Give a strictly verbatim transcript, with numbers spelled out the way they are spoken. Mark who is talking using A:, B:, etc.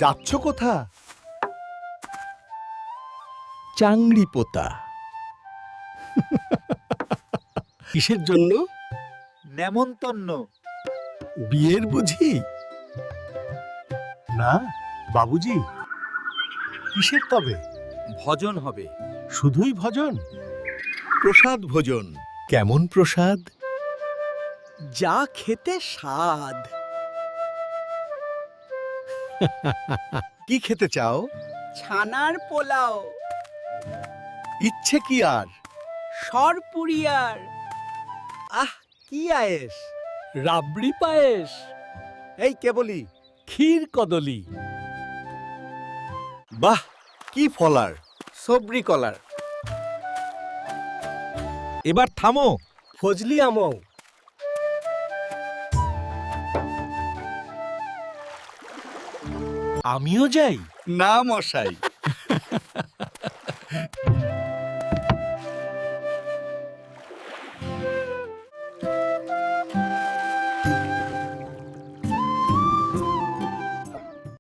A: যাচ্ছ কোথা? চাংড়ি পোতা। কিসের জন্য?
B: নেমন্তন্ন।
A: বিয়ের বুঝি? না বাবুজি, কিসের তবে?
B: ভজন হবে।
A: শুধুই ভজন? প্রসাদ ভোজন। কেমন প্রসাদ?
B: যা খেতে স্বাদ।
A: কি খেতে চাও?
C: ছানার পোলাও,
A: ইচ্ছে কি আর?
C: সরপুরিয়ার,
B: আহ কি আয়েস!
D: রাবড়ি পায়েস,
B: এই কেবলি
D: ক্ষীর কদলি,
A: বাহ, কি ফলার!
B: সবরি কলার। এবার থামো।
D: ফজলি আমও,
B: আমিও যাই।
A: না মশাই,